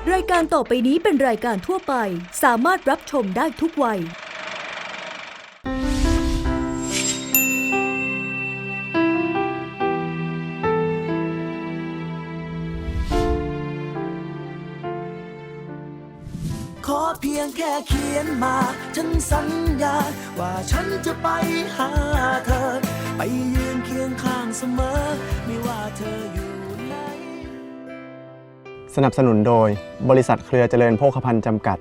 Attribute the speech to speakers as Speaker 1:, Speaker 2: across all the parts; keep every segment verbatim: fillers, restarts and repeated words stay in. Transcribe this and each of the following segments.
Speaker 1: รายการต่อไปนี้เป็นรายการทั่วไปสามารถรับชมได้ทุกวัย
Speaker 2: ขอเพียงแค่เขียนมาฉันสัญญาว่าฉันจะไปหาเธอไปยืนเคียงข้างเสมอไม่ว่าเธออยู่ไหน
Speaker 3: สนับสนุนโดยบริษัทเครือเจริญโภคภัณฑ์จำกัด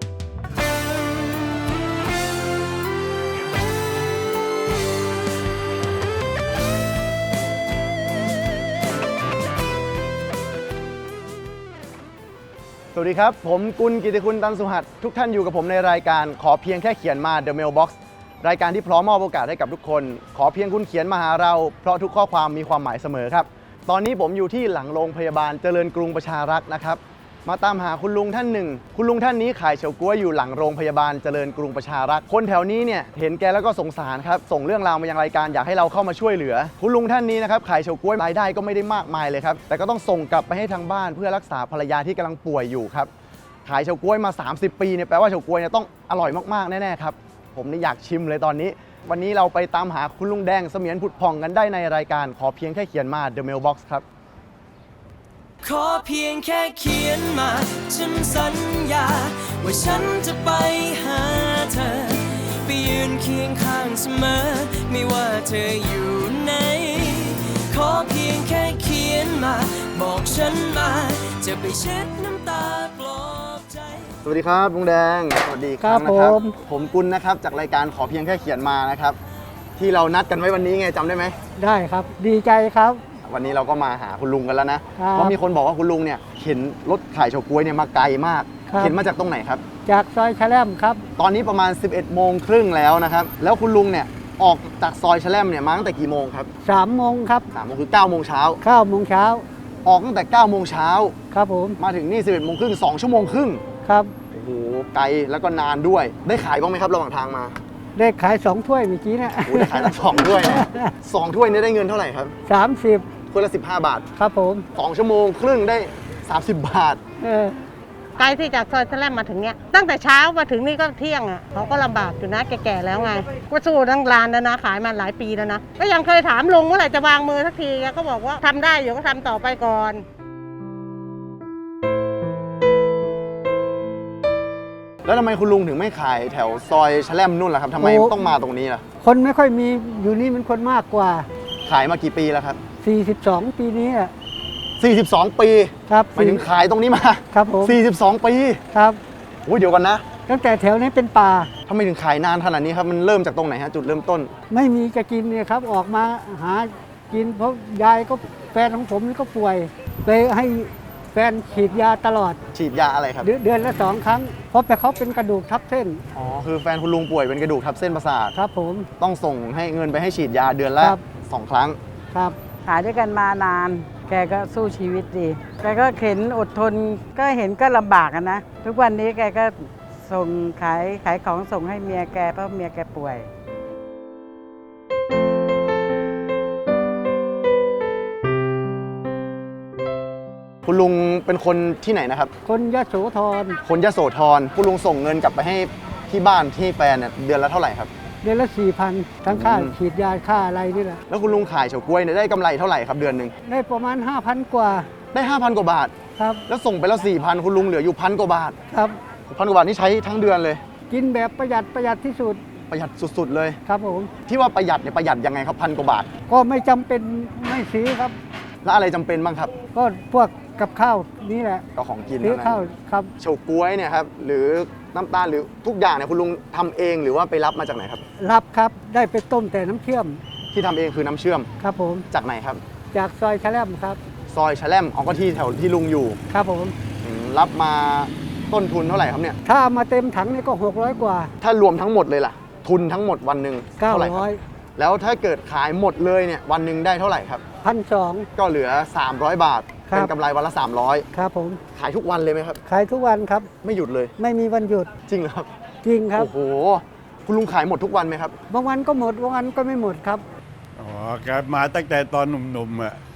Speaker 3: สวัสดีครับผมกุลกิติคุณตันสุหัสทุกท่านอยู่กับผมในรายการขอเพียงแค่เขียนมา The Mailbox รายการที่พร้อมมอบโอกาสให้กับทุกคนขอเพียงคุณเขียนมาหาเราเพราะทุกข้อความมีความหมายเสมอครับตอนนี้ผมอยู่ที่หลังโรงพยาบาลเจริญกรุงประชารักษ์นะครับมาตามหาคุณลุงท่านหนึ่งคุณลุงท่านนี้ขายเฉาก๊วยอยู่หลังโรงพยาบาลเจริญกรุงประชารักษ์คนแถวนี้เนี่ยเห็นแกแล้วก็สงสารครับส่งเรื่องราวมายังรายการอยากให้เราเข้ามาช่วยเหลือคุณลุงท่านนี้นะครับขายเฉาก๊วยรายได้ก็ไม่ได้มากมายเลยครับแต่ก็ต้องส่งกลับไปให้ทางบ้านเพื่อรักษาภรรยาที่กำลังป่วยอยู่ครับขายเฉาก๊วยมาสามสิบปีเนี่ยแปลว่าเฉาก๊วยเนี่ยต้องอร่อยมากๆแน่ๆครับผมนี่อยากชิมเลยตอนนี้วันนี้เราไปตามหาคุณลุงแดงเสมียนผุดผ่องกันได้ในรายการขอเพียงแค่เขียนมา The Mailbox ครับ
Speaker 2: ขอเพียงแค่เขียนมาฉันสัญญาว่าฉันจะไปหาเธอไปยืนเคียงข้างเสมอไม่ว่าเธออยู่ไหนขอเพียงแค่เขียนมาบอกฉันมาจะไปเช็ดน้ำตาปลอบใจ
Speaker 3: สวัสดีครับลุงแดงสวัสดีครับนะครับผมกุลนะครับจากรายการขอเพียงแค่เขียนมานะครับที่เรานัดกันไว้วันนี้ไงจำได้ไหม
Speaker 4: ได้ครับดีใจครับ
Speaker 3: วันนี้เราก็มาหาคุณลุงกันแล้วนะเพราะมีคนบอกว่าคุณลุงเนี่ยเข็นรถขายเฉาก๊วยเนี่ยมาไกลมากเข็นมาจากตรงไหนครับ
Speaker 4: จากซอยแชล่มครับ
Speaker 3: ตอนนี้ประมาณ สิบเอ็ดโมงครึ่งแล้วนะครับแล้วคุณลุงเนี่ยออกจากซอยแชล่มเนี่ยมาตั้งแต่กี่โมงครับ
Speaker 4: สามโมงครับ
Speaker 3: สามโมงคือเก้าโมงเช้า
Speaker 4: เก้าโมงเช้า
Speaker 3: ออกตั้งแต่เก้าโมงเช้า
Speaker 4: ครับผม
Speaker 3: มาถึงนี่ สิบเอ็ดโมงครึ่งสองชั่วโมงครึ่ง
Speaker 4: ครับ
Speaker 3: โอ้โหไกลแล้วก็นานด้วยได้ขายบ้างไหมครับระหว่างทางมา
Speaker 4: ได้ขายสองถ้วยเมื่อกี้เนี่ย
Speaker 3: โอ้ได้ขายตั้งสองถ้วยสองถ้วยนี่ได้เงินเท่าไหร่ครับ
Speaker 4: สามสิบ
Speaker 3: ถ้วยละสิบห้าบาท
Speaker 4: ครับผม
Speaker 3: สองชั่วโมงครึ่งได้สามสิบบาท
Speaker 4: เออ
Speaker 5: ไกลที่จากซอยแชล่มมาถึงเนี้ยตั้งแต่เช้ามาถึงนี่ก็เที่ยงอ่ะเขาก็ลำบากอยู่นะแก่ๆแล้วไงก็สู้ทั้งร้านแล้วนะขายมาหลายปีแล้วนะก็ยังเคยถามลุงเมื่อไหร่จะวางมือสักทีแกก็บอกว่าทำได้อยู่ก็ทำต่อไปก่อน
Speaker 3: แล้วทำไมคุณลุงถึงไม่ขายแถวซอยแชล่มนู่นล่ะครับทำไมต้องมาตรงนี้ล่ะ
Speaker 4: คนไม่ค่อยมีอยู่นี่มันคนมากกว่า
Speaker 3: ขายมากี่ปีแล้วครับ
Speaker 4: สี่สิบสองปีนี้อ่ะ
Speaker 3: สี่สิบสองปี
Speaker 4: ครับ
Speaker 3: หมายถึงขายตรงนี้มา
Speaker 4: ครับผม
Speaker 3: สี่สิบสองปี
Speaker 4: ครับ
Speaker 3: โอ้ยเดี๋ยวกันนะ
Speaker 4: ตั้งแต่แถวนี้เป็นป่า
Speaker 3: ทำไมถึงขายนานขนาดนี้ครับมันเริ่มจากตรงไหนฮะจุดเริ่มต้น
Speaker 4: ไม่มีจะกินเนี่ยครับออกมาหากินเพราะยายก็แฟนของผมนี่ก็ป่วยเลยให้แฟนฉีดยาตลอด
Speaker 3: ฉีดยาอะไรครับ
Speaker 4: เดือนละสองครั้งเพราะแต่เขาเป็นกระดูกทับเส้น
Speaker 3: อ๋อคือแฟนคุณลุงป่วยเป็นกระดูกทับเส้นประสาท
Speaker 4: ครับผม
Speaker 3: ต้องส่งให้เงินไปให้ฉีดยาเดือนละสองครั้ง
Speaker 4: ครับ
Speaker 6: ขายด้วยกันมานานแกก็สู้ชีวิตดีแกก็เข็นอดทนก็เห็นก็ลำบากนะทุกวันนี้แกก็ส่งขายขายของส่งให้เมียแกเพราะเมียแกป่วย
Speaker 3: คุณลุงเป็นคนที่ไหนนะครับ
Speaker 4: คนยโสธร
Speaker 3: คนยโสธรคุณลุงส่งเงินกลับไปให้ที่บ้านที่แฟนเนี่ยเดือนละเท่าไหร่ครับ
Speaker 4: เดือนละสี่พันทั้งค่าฉีดยาค่าอะไรนี่แหละ
Speaker 3: แล้วคุณลุงขายเฉาก๊วยเนี่ยได้กำไรเท่าไหร่ครับเดือนหนึ่ง
Speaker 4: ได้ประมาณห้าพันกว่า
Speaker 3: ได้ห้าพันกว่าบาท
Speaker 4: ครับ
Speaker 3: แล้วส่งไปแล้วสี่พันคุณลุงเหลืออยู่พันกว่าบาท
Speaker 4: ครับ
Speaker 3: พันกว่าบาทนี่ใช้ทั้งเดือนเลย
Speaker 4: กินแบบประหยัดประหยัดที่สุด
Speaker 3: ประหยัดสุดๆเลย
Speaker 4: ครับผม
Speaker 3: ที่ว่าประหยัดเนี่ยประหยัดยังไงครับพันกว่าบาท
Speaker 4: ก็ไม่จำเป็นไม่ซื้อครับ
Speaker 3: แล้วอะไรจำเป็นบ้างครับ
Speaker 4: ก็พวกกับข้าวนี่แหละ
Speaker 3: ก็ของกิน
Speaker 4: ซื้อข้าวครับ
Speaker 3: เฉาก๊วยเนี่ยครับหรือน้ำตาลหรือทุกอย่างเนี่ยคุณลุงทำเองหรือว่าไปรับมาจากไหนครับ
Speaker 4: รับครับได้ไปต้มแต่น้ำเชื่อม
Speaker 3: ที่ทำเองคือน้ำเชื่อม
Speaker 4: ครับผม
Speaker 3: จากไหนครับ
Speaker 4: จากซอยแชล่มครับ
Speaker 3: ซอยแชล่มเอาก็ที่แถวที่ลุงอยู่
Speaker 4: ครับผม
Speaker 3: รับมาต้นทุนเท่าไหร่ครับเนี่ย
Speaker 4: ถ้ามาเต็มถังนี่ก็หกร้อยกว่า
Speaker 3: ถ้ารวมทั้งหมดเลยล่ะทุนทั้งหมดวันหนึ่ง
Speaker 4: เก้าร้อย
Speaker 3: แล้วถ้าเกิดขายหมดเลยเนี่ยวันหนึ่งได้เท่าไหร่ครับ
Speaker 4: พันสอง
Speaker 3: ก็เหลือสามร้อยบาทเป็นกำไรวันละสามร้อย
Speaker 4: ครับผม
Speaker 3: ขายทุกวันเลยไหมครับ
Speaker 4: ขายทุกวันครับ
Speaker 3: ไม่หยุดเลย
Speaker 4: ไม่มีวันหยุด
Speaker 3: จริงเหรอครับ
Speaker 4: จริงครับ
Speaker 3: โอ้โหคุณลุงขายหมดทุกวันไหมครับ
Speaker 4: บางวันก็หมดบางวันก็ไม่หมดครับ
Speaker 7: อ๋อแกมาตั้งแต่ตอนหนุ่มๆอ่ะ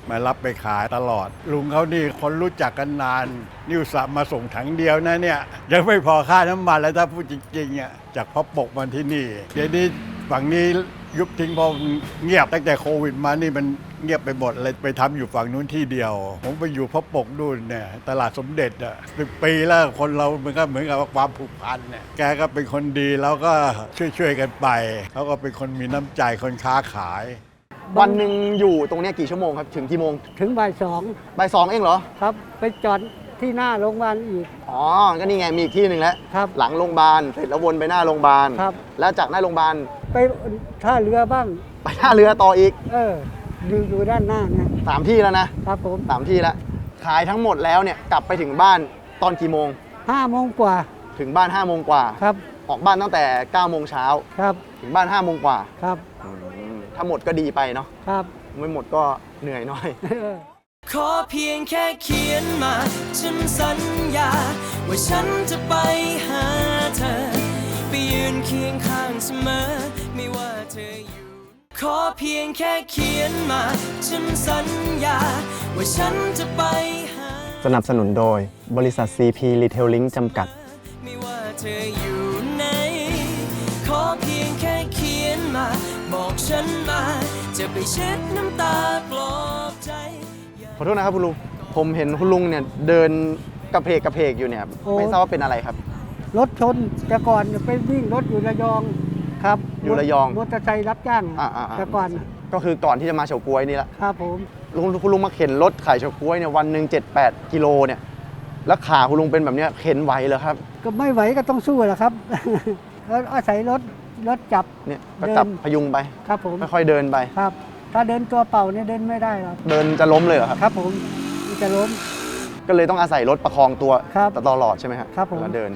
Speaker 7: มารับไปขายตลอด ลุงเขานี่คนรู้จักกันนานนิวสับมาส่งถังเดียวนะเนี่ยยังไม่พอค่าน้ำมันแล้วถ้าพูดจริงๆอ่ะจากพ่อปกมาที่นี่เดี๋ยวนี้ฝั่งนี้ยุบทิ้งพอเงียบตั้งแต่โควิดมานี่มันเงียบไปหมดเลยไปทำอยู่ฝั่งนู้นที่เดียวผมไปอยู่พ่อปกนู่นเนี่ยตลาดสมเด็จอ่ะสิบปีแล้วคนเรามันก็เหมือนกับความผูกพันเนี่ยแกก็เป็นคนดีแล้วก็ช่วยๆกันไปเขาก็เป็นคนมีน้ำใจคนค้าขาย
Speaker 3: วันหนึ่งอยู่ตรงเนี้ยกี่ชั่วโมงครับถึงกี่โมง
Speaker 4: ถึงบ่ายสอง
Speaker 3: บ่ายสองเองเหรอ
Speaker 4: ครับ ไปจอดที่หน้าโรงพยาบาลอีก
Speaker 3: อ๋อก็นี่ไงมีอีกที่หนึ่งแล้ว
Speaker 4: ครับ
Speaker 3: หลังโรงพยาบาลเสร็จแล้ววนไปหน้าโรงพยาบาล
Speaker 4: ครับ
Speaker 3: แล้วจากหน้าโรงพยาบาล
Speaker 4: ไปท่าเรือบ้าง
Speaker 3: ไปท่าเรือต่ออีก
Speaker 4: เอออยู่อยู่ด้านหน้านะ
Speaker 3: สามที่แล้วนะครับ
Speaker 4: ผม
Speaker 3: สามที่แล้วขายทั้งหมดแล้วเนี่ยกลับไปถึงบ้านตอนกี่โมง
Speaker 4: ห้าโมงกว่า
Speaker 3: ถึงบ้านห้าโมงกว่า
Speaker 4: ครับ
Speaker 3: ออกบ้านตั้งแต่เก้าโมงเช้า
Speaker 4: ครับ
Speaker 3: ถึงบ้านห้าโมงกว่า
Speaker 4: ครับ
Speaker 3: อืมถ้าหมดก็ดีไปเนาะ
Speaker 4: ครับ
Speaker 3: ไม่หมดก็เหนื่อยหน่อย
Speaker 2: ขอเพียงแค่เขียนมา ฉันสัญญา ว่าฉันจะไปหาเธอ ไปยืนเคียงข้างเสมอ ไม่ว่าเธออยู่ ขอเพียงแค่เขียนมา ฉันสัญญา ว่าฉันจะไปหา
Speaker 3: สนับสนุนโดยบริษัท ซี พี Retailing จำกัด
Speaker 2: ไม่ว่าเธออยู่ไหน ขอเพียงแค่เขียนมา บอกฉันมา จะไปเช็ดน้ำตาปลอบใจ
Speaker 3: ขอโทษนะครับคุณลุง ผมเห็นคุณลุงเนี่ยเดินกระเพกกระเพกอยู่เนี่ย
Speaker 4: โอ้
Speaker 3: ไม่ทราบว่าเป็นอะไรครับ
Speaker 4: รถชนแต่ก่อนไปวิ่งรถอยู่ระยองครับ
Speaker 3: อยู่ระยอง
Speaker 4: มอเตอร์ไซค์รับจ้าง
Speaker 3: อ่าอ่าอ่า
Speaker 4: แต่ก่อน
Speaker 3: ก็คือก่อนที่จะมาเฉาก๊วยนี่แหละ
Speaker 4: ครับผม
Speaker 3: ลุงคุณลุงมาเข็นรถขายเฉาก๊วยเนี่ยวันหนึ่งเจ็ดแปดกิโลเนี่ยแล้วขาคุณลุงเป็นแบบเนี้ยเข็นไหวเหรอครับ
Speaker 4: ก็ไม่ไหวก็ต้องสู้แหละครับ แล้วอาศัยรถรถจับ
Speaker 3: เนี่ยก็
Speaker 4: เดิน
Speaker 3: จับพยุงไป
Speaker 4: ครับผม
Speaker 3: ค่อยๆเดินไป
Speaker 4: ครับ ถ้าเดินตัวเปล่าเนี่ยเดินไม่ได้หรอก
Speaker 3: เดินจะล้มเลยเหรอครับ
Speaker 4: ครับผมมันจะล้ม
Speaker 3: ก็เลยต้องอาศัยรถประคองตัว
Speaker 4: ครับ
Speaker 3: ตลอดใช่ไหมครับ
Speaker 4: ครับผม
Speaker 3: เวลาเดิน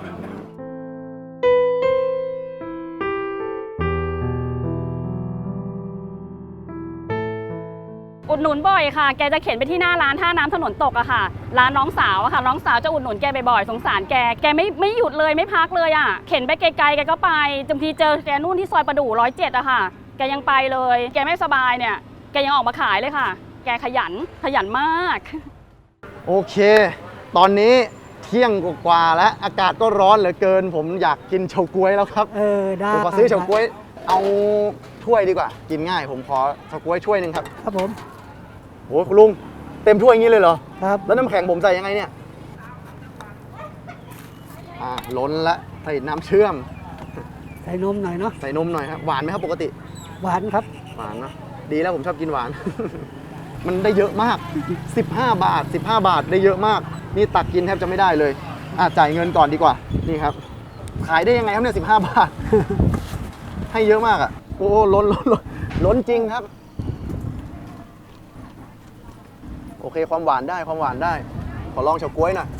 Speaker 8: อุดหนุนบ่อยค่ะ แกจะเข็นไปที่หน้าร้านท่าน้ำถนนตกอะค่ะ ร้านน้องสาวอะค่ะ น้องสาวจะอุดหนุนแกบ่อยๆ สงสารแก แกไม่ไม่หยุดเลยไม่พักเลยอะเข็นไปไกลๆ แกก็ไปบางทีเจอแกนู่นที่ซอยประดู่ร้อยเจ็ดอะค่ะ แกยังไปเลย แกไม่สบายเนี่ย แกยังออกมาขายเลยค่ะ แกขยัน ขยันมาก
Speaker 3: โอเค ตอนนี้เที่ยงกว่าๆแล้วอากาศก็ร้อนเหลือเกิน ผมอยากกินเฉาก๊วยแล้วครับ
Speaker 4: เออได้
Speaker 3: ผมขอซื้อเฉาก๊วยเอาถ้วยดีกว่า กินง่าย ผมขอเฉาก๊วยถ้วยหนึ่งครับ
Speaker 4: ครับผม
Speaker 3: โอ้คุณลุงเต็มถ้วยอย่างนี้เลยเหรอ
Speaker 4: ครับ
Speaker 3: แล้วน้ำแข็งผมใส่ยังไงเนี่ยอ่าล้นละใส่น้ำเชื่อม
Speaker 4: ใส่นมหน่อยเนาะ
Speaker 3: ใส่นมหน่อยครับหวานไหมครับปกติ
Speaker 4: หวานครับ
Speaker 3: หวานเนอะดีแล้วผมชอบกินหวาน มันได้เยอะมาก สิบห้า บาท สิบห้า บาทได้เยอะมาก นี่ตักกินแทบจะไม่ได้เลยอ่ะจ่ายเงินก่อนดีกว่า นี่ครับ ขายได้ยังไงครับเนี่ยสิบห้า บาท ให้เยอะมากอ่ะ โอ้ล้นล้นล้นล้นจริงครับ โอเคความหวานได้ความหวานได้ ขอลองเฉาก๊วยหน่อย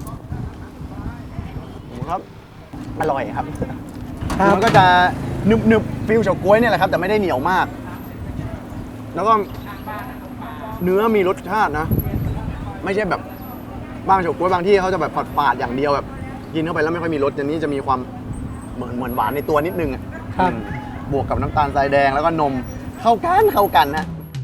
Speaker 3: ครับ อร่อยครับ
Speaker 4: ครับ
Speaker 3: มันก็จะหนึบหนึบฟิลเฉาก๊วยเนี่ยแหละครับ แต่ไม่ได้เหนียวมาก แล้วก็เนื้อมีรสชาตินะ ไม่ใช่แบบบางเฉาก๊วยบางที่เขาจะแบบฝาดๆอย่างเดียวแบบกินเข้าไปแล้วไม่ค่อยมีรสอย่างนี้จะมีความเหมือนเหมือนหวานในตัวนิดนึงอะ
Speaker 4: ครับ
Speaker 3: อืมบวกกับน้ำตาลทรายแดงแล้วก็นมเข้ากันเข้ากันนะ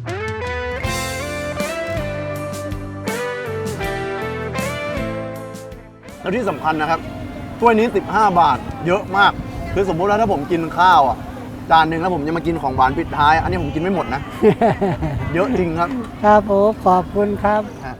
Speaker 3: แล้วที่สำคัญนะครับถ้วยนี้สิบห้า บาท เยอะมาก คือสมมุติว่าถ้าผมกินข้าวอ่ะจานหนึ่งแล้วผมจะมากินของหวานปิดท้าย อันนี้ผมกินไม่หมดนะ เยอะจริงครับ
Speaker 4: ครับผมขอบคุณครับ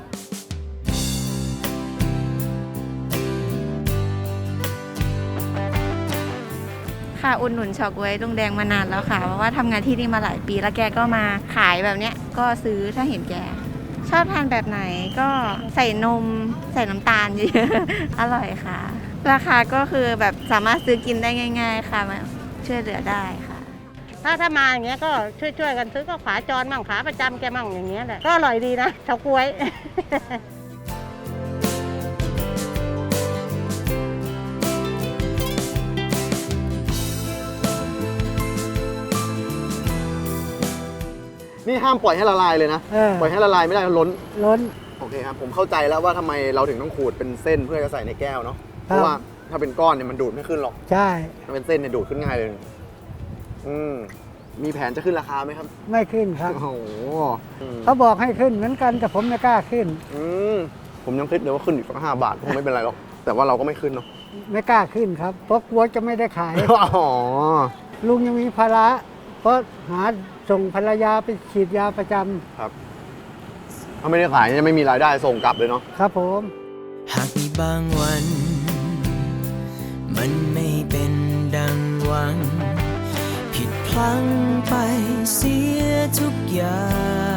Speaker 9: ค่ะอุดหนุนเฉาก๊วยลุงแดงมานานแล้วค่ะเพราะว่าทำงานที่นี่มาหลายปีแล้วแกก็มาขายแบบเนี้ยก็ซื้อถ้าเห็นแก ชอบทานแบบไหนก็ใส่นมใส่น้ำตาลเยอะๆ อร่อยค่ะ ราคาก็คือแบบสามารถซื้อกินได้ง่าย ๆ ค่ะมาช่วยเหลือได้ค่ะ
Speaker 5: ถ้าถ้ามาอย่างเงี้ยก็ช่วยๆกันซื้อก็ขาจรมั่งขาประจำแกมั่งอย่างเงี้ยแหละก็อร่อยดีนะเฉาก๊วย
Speaker 3: นี่ห้ามปล่อยให้ละลายเลยนะ
Speaker 4: เออ
Speaker 3: ปล่อยให้ละลายไม่ได้ล้น
Speaker 4: ล้น
Speaker 3: โอเคครับ ผมเข้าใจแล้วว่าทำไมเราถึงต้องขูดเป็นเส้นเพื่อจะใส่ในแก้วเนาะ เพ
Speaker 4: ครับ
Speaker 3: ราะว่าถ้าเป็นก้อนเนี่ยมันดูดไม่ขึ้นหรอก
Speaker 4: ใช่
Speaker 3: ถ้าเป็นเส้นเนี่ยดูดขึ้นง่ายเลย อืมมีแผนจะขึ้นราคาไหมครับ
Speaker 4: ไม่ขึ้นครับ
Speaker 3: โอ้โห
Speaker 4: เขาบอกให้ขึ้นเหมือนกันแต่ผมไม่กล้าขึ้น
Speaker 3: อืมผมยังคิดเลยว่าขึ้นอีกสักห้าบาทคงไม่เป็นไรหรอกแต่ว่าเราก็ไม่ขึ้นเนาะ
Speaker 4: ไม่กล้าขึ้นครับเพราะกลัวจะไม่ได้ขาย
Speaker 3: อ๋อ
Speaker 4: ลุงยังมีภาระเพราะหาส่งภรรยาไปฉีดยาประจ
Speaker 3: ครับถ้าไม่ได้ขายจะไม่มีรายได้ส่งกลับเลยเนาะ
Speaker 4: ำครับผม
Speaker 2: หากมีบางวัน มันไม่เป็นดังหวัง ผิดพลั้งไปเสียทุกอย่าง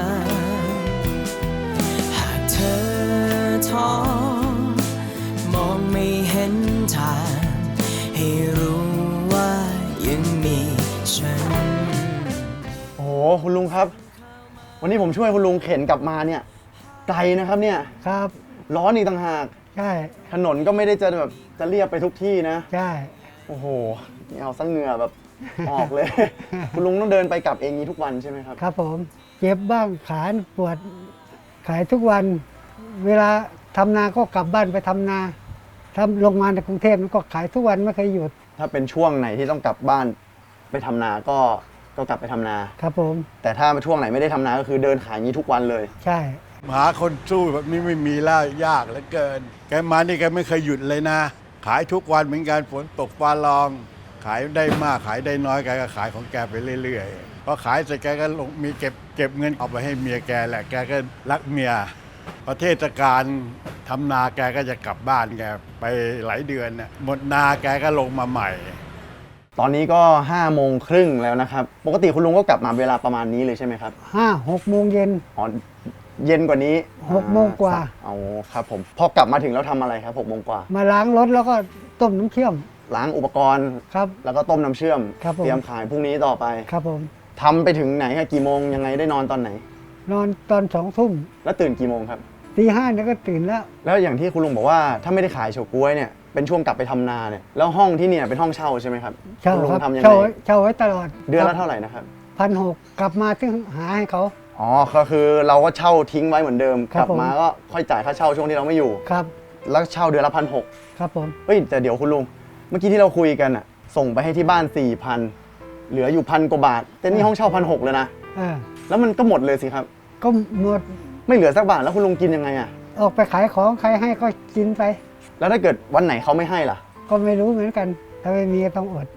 Speaker 2: หากเธอท้อมองไม่เห็นทาง ให้รู้ว่ายังมีฉัน
Speaker 3: โอ้โหคุณลุงครับ วันนี้ผมช่วยคุณลุงเข็นกลับมาเนี่ยไกลนะครับเนี่ย
Speaker 4: ครับ
Speaker 3: ร้อนอีกต่างหาก
Speaker 4: ใช่
Speaker 3: ถนนก็ไม่ได้จะแบบจะเรียบไปทุกที่นะ
Speaker 4: ใช่
Speaker 3: โอ้โหนี่เอาซะเหงื่อแบบ ออกเลย คุณลุงต้องเดินไปกลับเองนี้ทุกวันใช่ไหมครับ
Speaker 4: ครับผมเจ็บบ้างขาปวดขายทุกวัน เวลาทำนาก็กลับบ้านไปทำนาทำลงมาในกรุงเทพก็ขายทุกวันไม่เคยหยุด
Speaker 3: ถ้าเป็นช่วงไหนที่ต้องกลับบ้านไปทำนาก็ก็กลับไปทำนา
Speaker 4: ครับผม
Speaker 3: แต่ถ้าช่วงไหนไม่ได้ทำนาก็คือเดินขายอย่างนี้ทุกวันเลย
Speaker 4: ใช่
Speaker 7: หาคนสู้แบบนี้ไม่มีแล้วยากเหลือเกิน แกมานี่แกไม่เคยหยุดเลยนะ ขายทุกวันเหมือนกันฝนตกฟ้าร้อง ขายได้มากขายได้น้อยแกก็ขายของแกไปเรื่อยๆพอขายเสร็จแกก็ลงมีเก็บเก็บเงินเอาไปให้เมียแกแหละแกก็รักเมียประเทศกาลทำนาแกก็จะกลับบ้านแกไปหลายเดือนน่ะหมดนาแกก็ลงมาใหม่
Speaker 3: ตอนนี้ก็ห้าโมงครึ่งแล้วนะครับ ปกติคุณลุงก็กลับมาเวลาประมาณนี้เลยใช่ไหมครับ
Speaker 4: ห้าหกโมงเย็น
Speaker 3: อ๋อเย็นกว่านี้
Speaker 4: หกโมงกว่า
Speaker 3: เอาครับผมพอกลับมาถึงแล้วทำอะไรครับหกโมงกว่า
Speaker 4: มาล้างรถแล้วก็ต้มน้ำเชื่อม
Speaker 3: ล้างอุปกรณ์
Speaker 4: ครับ
Speaker 3: แล้วก็ต้มน้ำเชื่อม
Speaker 4: ครับผม
Speaker 3: เตรียมขายพรุ่งนี้ต่อไป
Speaker 4: ครับผม
Speaker 3: ทำไปถึงไหนครับกี่โมงยังไงได้นอนตอนไหน
Speaker 4: นอนตอนสองทุ่ม
Speaker 3: แล้วตื่นกี่โมงครับ
Speaker 4: ตีห้าเนี่ยก็ตื่นแล้ว
Speaker 3: แล้วอย่างที่คุณลุงบอกว่าถ้าไม่ได้ขายเฉาก๊วยเนี่ยเป็นช่วงกลับไปทำนาเนี่ยแล้วห้องที่เนี่ยเป็นห้องเช่าใช่ไหมครับ
Speaker 4: เช่า
Speaker 3: คุณลุง
Speaker 4: ครับ
Speaker 3: ทำยัง
Speaker 4: เช่า
Speaker 3: ไง
Speaker 4: ไว้เช่าไว้ตลอด
Speaker 3: เดือนละเท่าไหร่นะครับ
Speaker 4: พันหกกลับมาถึงหาให้เขา
Speaker 3: อ๋อก็คือเราก็เช่าทิ้งไว้เหมือนเดิม
Speaker 4: ค
Speaker 3: ก
Speaker 4: รับ
Speaker 3: ลับมาก็ค่อยจ่ายค่าเช่าช่วงที่เราไม่อยู่
Speaker 4: ครับ
Speaker 3: แล้วเช่าเดือนละพันหก
Speaker 4: ครับผม
Speaker 3: เฮ้ยแต่เดี๋ยวคุณลุงเมื่อกี้ที่เราคุยกันอะส่งไปให้ที่บ้านสี่พันเหลืออยู่พันกว่าบาทแต่นี่ห้องเช่าพันหกเลยนะ
Speaker 4: เออ
Speaker 3: แล้วมันก็หมดเลยสิครับ
Speaker 4: ก็หมด
Speaker 3: ไม่เหลือสักบาทแล้วคุณลุงกินยังไงอะ
Speaker 4: ออกไปขายของใครให้ก็กินไป
Speaker 3: แล้วถ้าเกิดวันไหนเขาไม่ให้ล่ะ
Speaker 4: ก็ไม่รู้เหมือนกัน ถ้าไม่มีก็ต้องอด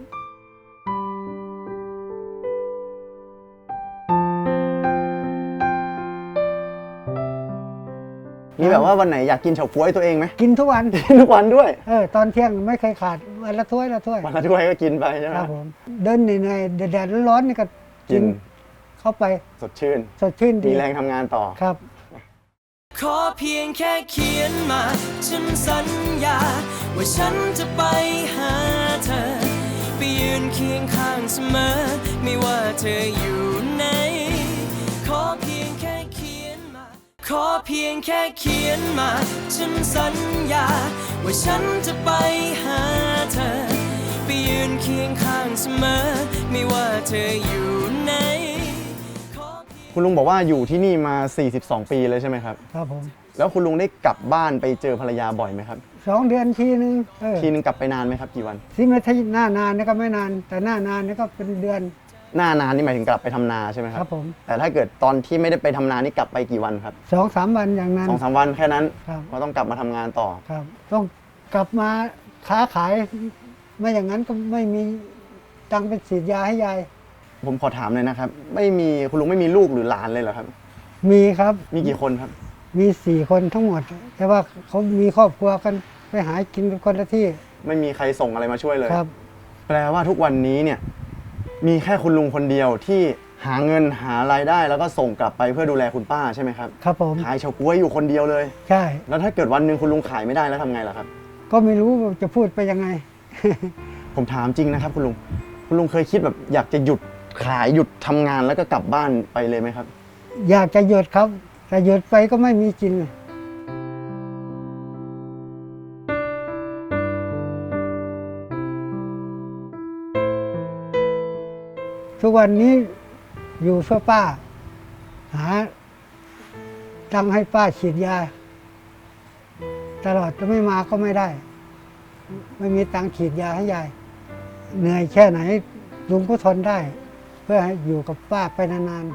Speaker 3: มีแบบว่าวันไหนอยากกินเฉาก๊วยตัวเองไหม
Speaker 4: กินทุกวัน
Speaker 3: กินทุกวันด้วย
Speaker 4: เออตอนเที่ยงไม่เคยขาดวันละถ้วยละถ้วย
Speaker 3: วันละถ้วยก็กินไปใช่ไหม
Speaker 4: ครับผมเดินเหนื่อยๆแดดๆร้อนๆนี่ก็
Speaker 3: กิ
Speaker 4: กิ
Speaker 3: น
Speaker 4: นเข้าไป
Speaker 3: สดชื่น
Speaker 4: สดชื่นดี
Speaker 3: มีแรงทำงานต่อ
Speaker 4: ครับ
Speaker 2: ขอเพียงแค่เขียนมา ฉันสัญญา ว่าฉันจะไปหาเธอ ไปยืนเคียงข้างเสมอ ไม่ว่าเธออยู่ไหนขอเพียงแค่เขียนมา ขอเพียงแค่เขียนมา ฉันสัญญา ว่าฉันจะไปหาเธอ ไปยืนเคียงข้างเสมอ ไม่ว่าเธออยู่ไหน
Speaker 3: คุณลุงบอกว่าอยู่ที่นี่มาสี่สิบสองปีเลยใช่ไหมครับ
Speaker 4: ครับผม
Speaker 3: แล้วคุณลุงได้กลับบ้านไปเจอภรรยาบ่อยไหมครับ
Speaker 4: สองเดือนทีนึงเออ
Speaker 3: ทีนึงกลับไปนานไหมครับกี่วัน
Speaker 4: ที่ไม่ใช่หน้านานนี่ก็ไม่นาน แต่หน้านานนี่ก็เป็นเดือน
Speaker 3: หน้านานนี่หมายถึงกลับไปทำนาใช่ไหมค
Speaker 4: ค
Speaker 3: รั
Speaker 4: รับ บผม
Speaker 3: แต่ถ้าเกิดตอนที่ไม่ได้ไปทำนานี่กลับไปกี่วันครับ
Speaker 4: สองสามวันอย่างนั้น
Speaker 3: สองสามวันแค่นั้น
Speaker 4: ครับ
Speaker 3: ก็ต้องกลับมาทำงานต่อ
Speaker 4: ครับ ต้องกลับมาค้าขาย ไม่อย่างนั้นก็ไม่มีตังค์ไปฉีดยาให้ยาย
Speaker 3: ผมขอถามเลยนะครับ ไม่มีคุณลุงไม่มีลูกหรือหลานเลยเหรอครับ
Speaker 4: มีครับ
Speaker 3: มีกี่คนครับ
Speaker 4: มีสี่คนทั้งหมด แต่ว่าเขามีครอบครัวกันไปหากินกันคนละที่
Speaker 3: ไม่มีใครส่งอะไรมาช่วยเลย
Speaker 4: ครับ
Speaker 3: แปลว่าทุกวันนี้เนี่ยมีแค่คุณลุงคนเดียวที่หาเงินหารายได้แล้วก็ส่งกลับไปเพื่อดูแลคุณป้าใช่ไหมครับ
Speaker 4: ครับผม
Speaker 3: ขายเฉาก๊วยอยู่คนเดียวเลย
Speaker 4: ใช่
Speaker 3: แล้วถ้าเกิดวันหนึ่งคุณลุงขายไม่ได้แล้วทำไงล่ะครับ
Speaker 4: ก็ไม่รู้ว่าจะพูดไปยังไง
Speaker 3: ผมถามจริงนะครับคุณลุง คุณลุงเคยคิดแบบอยากจะหยุดขายหยุดทำงานแล้วก็กลับบ้านไปเลยไหมครับ
Speaker 4: อยากจะหยุดครับ แต่หยุดไปก็ไม่มีกิน ทุกวันนี้อยู่เพื่อป้า หาตังค์ให้ป้าฉีดยา ตลอดจะไม่มาก็ไม่ได้ ไม่มีตังค์ฉีดยาให้ยาย เหนื่อยแค่ไหนลุงก็ทนได้ เพพื่อให้อยู่กับป้าไปนาน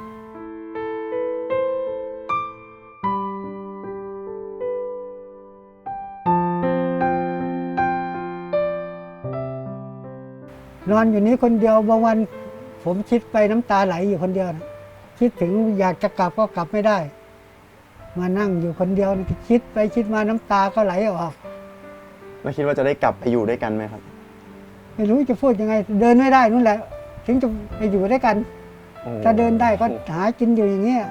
Speaker 4: ๆนอนอยู่นี้คนเดียวบางวันผมคิดไปน้ำตาไหลอยู่คนเดียวนะคิดถึงอยากจะกลับก็กลับไม่ได้ มานั่งอยู่คนเดียวนะคิดไปคิดมาน้ำตาก็ไหลออก
Speaker 3: แล้วคิดว่าจะได้กลับไปอยู่ด้วยกันไหมครับ
Speaker 4: ไม่รู้จะพูดยังไง เดินไม่ได้นู่นแหละ ถึงจะไปอยู่ด้วยกัน
Speaker 3: โอ้
Speaker 4: ถ้าเดินได้ก็หากินอยู่อย่างเงี้ย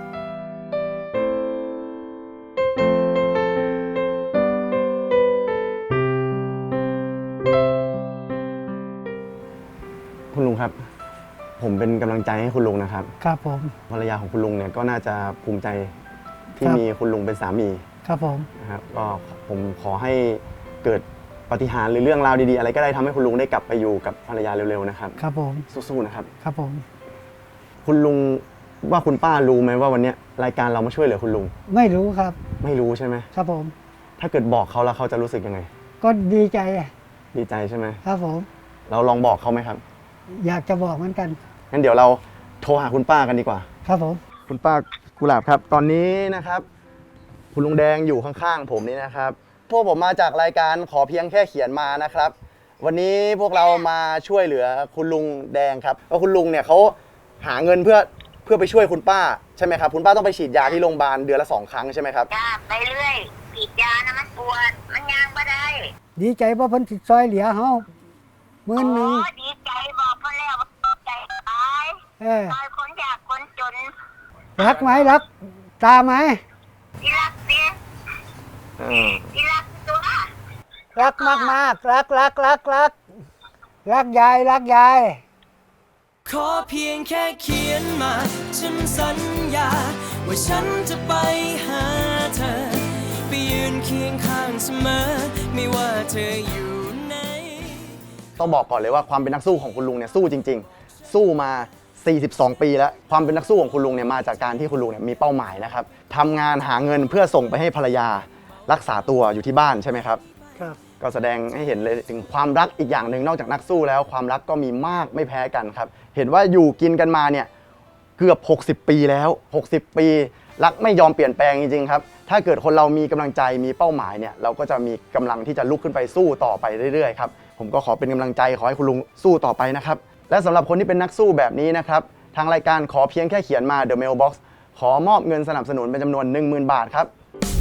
Speaker 3: คุณลุงครับ ผมเป็นกำลังใจให้คุณลุงนะครับ
Speaker 4: ครับผม
Speaker 3: ภรรยาของคุณลุงเนี่ยก็น่าจะภูมิใจที่
Speaker 4: ครับ
Speaker 3: มีคุณลุงเป็นสามี
Speaker 4: ครับผม
Speaker 3: นะครับก็ผมขอให้เกิดปาฏิหาริย์หรือเรื่องราวดีๆอะไรก็ได้ทำให้คุณลุงได้กลับไปอยู่กับภรรยาเร็วๆนะครับ
Speaker 4: ครับผม
Speaker 3: สู้ๆนะครับ
Speaker 4: ครับผม
Speaker 3: คุณลุงว่าคุณป้ารู้ไหมว่าวันนี้รายการเรามาช่วยเหลือคุณลุง
Speaker 4: ไม่รู้ครับ
Speaker 3: ไม่รู้ใช่ไหม
Speaker 4: ครับผม
Speaker 3: ถ้าเกิดบอกเขาแล้วเขาจะรู้สึกยังไง
Speaker 4: ก็ดีใจ
Speaker 3: ดีใจใช่ไหม
Speaker 4: ครับผม
Speaker 3: เราลองบอกเขาไหมครับ
Speaker 4: อยากจะบอกเหมือนกัน
Speaker 3: งั้นเดี๋ยวเราโทรหาคุณป้ากันดีกว่า
Speaker 4: ครับผม
Speaker 3: คุณป้ากุหลาบครับ ตอนนี้นะครับ คุณลุงแดงอยู่ข้างๆผมนี่นะครับ พวกผมมาจากรายการขอเพียงแค่เขียนมานะครับ วันนี้พวกเรามาช่วยเหลือคุณลุงแดงครับเพราะคุณลุงเนี่ยเขาหาเงินเพื่อเพื่อไปช่วยคุณป้าใช่ไหมครับคุณป้าต้องไปฉีดยาที่โรงพยาบาลเดือนละสองครั้งใช่ไหมครับ
Speaker 10: จ้าไปเรื่อยฉีดยานะมันปวด มันยางบ่ได้
Speaker 4: ดีใจเพราะเพิ่นสิซอยเหลือเฮาหมื่นหนึง
Speaker 10: โอ้ดีใจบอกเพ่อแล้วว่าใจตาย
Speaker 4: เออ
Speaker 10: ตายคนอยากคนจน
Speaker 4: รักไหมรัก ตาไหม
Speaker 10: ที่รักสิ
Speaker 3: อืม
Speaker 10: ที่รักตัว
Speaker 4: รักมากมากๆรักรักรักรักรักยายรักยาย
Speaker 2: ขอเพียงแค่เขียนมา ฉันสัญญา ว่าฉันจะไปหาเธอ ไปยืนเคียงข้างเสมอ ไม่ว่าเธออยู่ไหน
Speaker 3: ต้องบอกก่อนเลยว่าความเป็นนักสู้ของคุณลุงเนี่ยสู้จริง ๆ สู้มา สี่สิบสอง ปีแล้วความเป็นนักสู้ของคุณลุงเนี่ยมาจากการที่คุณลุงเนี่ยมีเป้าหมายนะครับทำงานหาเงินเพื่อส่งไปให้ภรรยารักษาตัวอยู่ที่บ้านใช่ไหมครับ
Speaker 4: ครับ
Speaker 3: ก็แสดงให้เห็นเลยถึงความรักอีกอย่างหนึ่งนอกจากนักสู้แล้วความรักก็มีมากไม่แพ้กันครับเห็นว่าอยู่กินกันมาเนี่ยเกือบหกสิบปีแล้วหกสิบปีรักไม่ยอมเปลี่ยนแปลงจริงๆครับถ้าเกิดคนเรามีกำลังใจมีเป้าหมายเนี่ยเราก็จะมีกำลังที่จะลุกขึ้นไปสู้ต่อไปเรื่อยๆครับผมก็ขอเป็นกำลังใจขอให้คุณลุงสู้ต่อไปนะครับและสำหรับคนที่เป็นนักสู้แบบนี้นะครับทางรายการขอเพียงแค่เขียนมา The Mailbox ขอมอบเงินสนับสนุนเป็นจำนวน หนึ่งหมื่น บาทครับ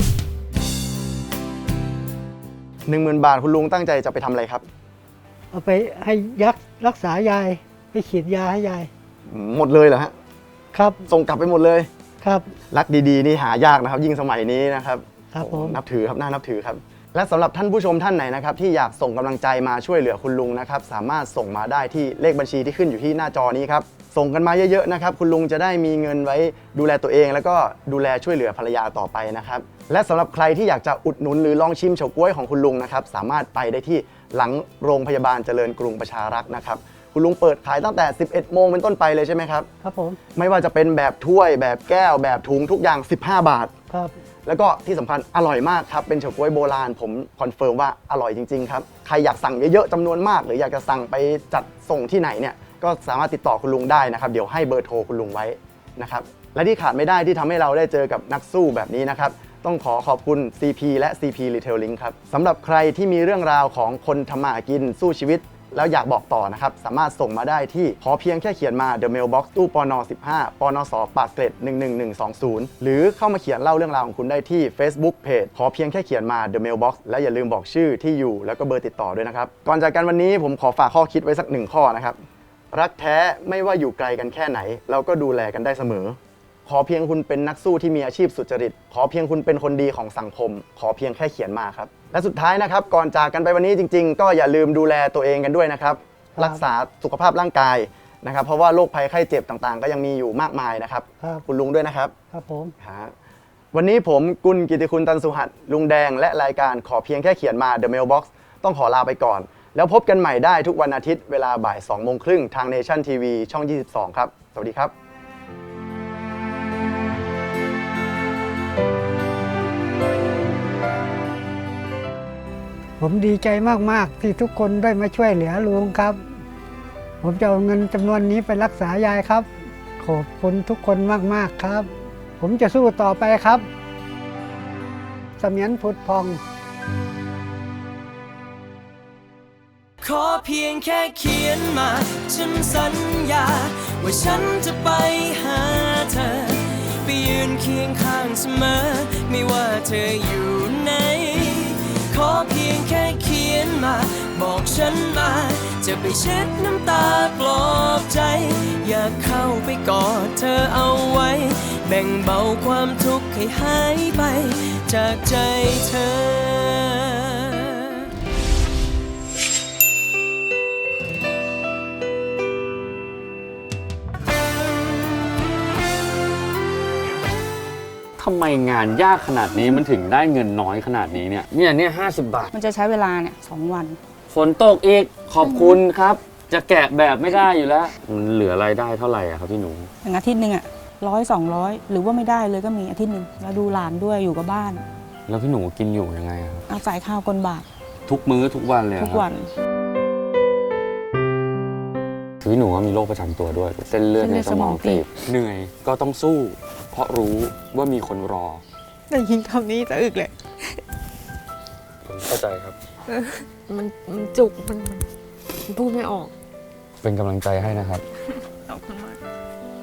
Speaker 3: หนึ่งหมื่น บาทคุณลุงตั้งใจจะไปทำอะไรครับ
Speaker 4: เอาไปให้ยักษ์รักษายายไปฉีดยาให้ยาย
Speaker 3: หมดเลยเหรอฮะ
Speaker 4: ครับ
Speaker 3: ส่งกลับไปหมดเลย
Speaker 4: ครับ
Speaker 3: รักดีๆนี่หายากนะครับยิ่งสมัยนี้นะครับ
Speaker 4: ครับผม
Speaker 3: นับถือครับน่านับถือครับและสำหรับท่านผู้ชมท่านไหนนะครับที่อยากส่งกำลังใจมาช่วยเหลือคุณลุงนะครับสามารถส่งมาได้ที่เลขบัญชีที่ขึ้นอยู่ที่หน้าจอนี้ครับส่งกันมาเยอะๆนะครับคุณลุงจะได้มีเงินไว้ดูแลตัวเอง แล้วก็ดูแลช่วยเหลือภรรยาต่อไปนะครับและสำหรับใครที่อยากจะอุดหนุนหรือลองชิมเฉาก๊วยของคุณลุงนะครับสามารถไปได้ที่หลังโรงพยาบาลเจริญกรุงประชารักษ์นะครับคุณลุงเปิดขายตั้งแต่ สิบเอ็ด โมงเป็นต้นไปเลยใช่ไหมครับ
Speaker 4: ครับผม
Speaker 3: ไม่ว่าจะเป็นแบบถ้วยแบบแก้วแบบถุงทุกอย่างสิบห้าบาท
Speaker 4: ครับ
Speaker 3: แล้วก็ที่สำคัญอร่อยมากครับเป็นเฉาก๊วยโบราณผมคอนเฟิร์มว่าอร่อยจริงๆครับใครอยากสั่งเยอะๆจำนวนมากหรืออยากจะสั่งไปจัดส่งที่ไหนเนี่ยก็สามารถติดต่อคุณลุงได้นะครับเดี๋ยวให้เบอร์โทรคุณลุงไว้นะครับและที่ขาดไม่ได้ที่ทำให้เราได้เจอกับนักสู้แบบนี้นะครับต้องขอขอบคุณ ซี พี และ ซี พี Retailing ครับสำหรับใครที่มีเรื่องราวของคนทำมาหากินสู้ชีวิตแล้วอยากบอกต่อนะครับสามารถส่งมาได้ที่ขอเพียงแค่เขียนมา The Mailbox ตู้ปนสิบห้าปนสปากเกร็ดหนึ่งหนึ่งหนึ่งสองศูนย์หรือเข้ามาเขียนเล่าเรื่องราวของคุณได้ที่ Facebook Page ขอเพียงแค่เขียนมา The Mailbox และอย่าลืมบอกชื่อที่อยู่แล้วก็เบอร์ติดต่อด้วยนะครับก่อนจากกันวันนี้ผมขอฝากข้อคิดไว้สักหนึ่งข้อนะครับรักแท้ไม่ว่าอยู่ไกลกันแค่ไหนเราก็ดูแลกันได้เสมอขอเพียงคุณเป็นนักสู้ที่มีอาชีพสุจริตขอเพียงคุณเป็นคนดีของสังคมขอเพียงแค่เขียนมาครับและสุดท้ายนะครับก่อนจากกันไปวันนี้จริงๆก็อย่าลืมดูแลตัวเองกันด้วยนะครับรักษาสุขภาพร่างกายนะครับเพราะว่าโรคภัยไข้เจ็บต่างๆก็ยังมีอยู่มากมายนะครับ
Speaker 4: ครับ
Speaker 3: คุณลุงด้วยนะครับ
Speaker 4: ครับผม
Speaker 3: ครับวันนี้ผมกุลกิติคุณตันสุหัสลุงแดงและรายการขอเพียงแค่เขียนมา The Mailbox ต้องขอลาไปก่อนแล้วพบกันใหม่ได้ทุกวันอาทิตย์เวลาบ่ายสองโมงครึ่งทาง Nation ที วี ช่อง ยี่สิบสอง ครับสวัสดีครับ
Speaker 4: ผมดีใจมากๆที่ทุกคนได้มาช่วยเหลือลุงครับ ผผมจะเอาเงินจำนวนนี้ไปรักษายายครับ ขอบคุณทุกคนมากๆครับ ผมจะสู้ต่อไปครับเสมียนผุดพอง
Speaker 2: ขอเพียงแค่เขียนมา ฉันสัญญา ว่าฉันจะไปหาเธอ ไปยืนเคียงข้างเสมอ ไม่ว่าเธออยู่ไหน ขอเพียงแค่เขียนมา บอกฉันมา จะไปเช็ดน้ำตาปลอบใจ อยากเข้าไปกอดเธอเอาไว้ แบ่งเบาความทุกข์ให้หายไป จากใจเธอ
Speaker 11: ทำไมงานยากขนาดนี้มันถึงได้เงินน้อยขนาดนี้เนี่ยเนี่ยเนี่ยห้าสิบบาท
Speaker 12: มันจะใช้เวลาเนี่ยสองวัน
Speaker 11: ฝนตกอีกขอบคุณครับ จะแกะแบบไม่ได้อยู่แล้วมันเหลือรายได้เท่าไหร่อะครับพี่หนู
Speaker 12: อย่างอาทิตย์หนึ่งอะร้อยสองร้อยหรือว่าไม่ได้เลยก็มีอาทิตย์หนึ่งแล้วดูหลานด้วยอยู่กับบ้าน
Speaker 11: แล้วพี่หนูกินอยู่ยังไงครับ
Speaker 12: เอาใส่ข้าวกลบาท
Speaker 11: ทุกมื้อทุกวันเลย
Speaker 12: ทุกวัน
Speaker 11: คือพี่หนูก็มีโรคประจำตัวด้วยเส้นเลือดในสมองตีบเหนื่อยก็ต้องสู้ เพราะรู้ว่ามีคนรอ
Speaker 13: แต่ยิงคำนี้จะอึกเลย
Speaker 11: ผมเข้าใจครับ
Speaker 13: มันมันจุกมันมันพูดไม่ออก
Speaker 11: เป็นกำลังใจให้นะครับ
Speaker 13: ขอบคุณมาก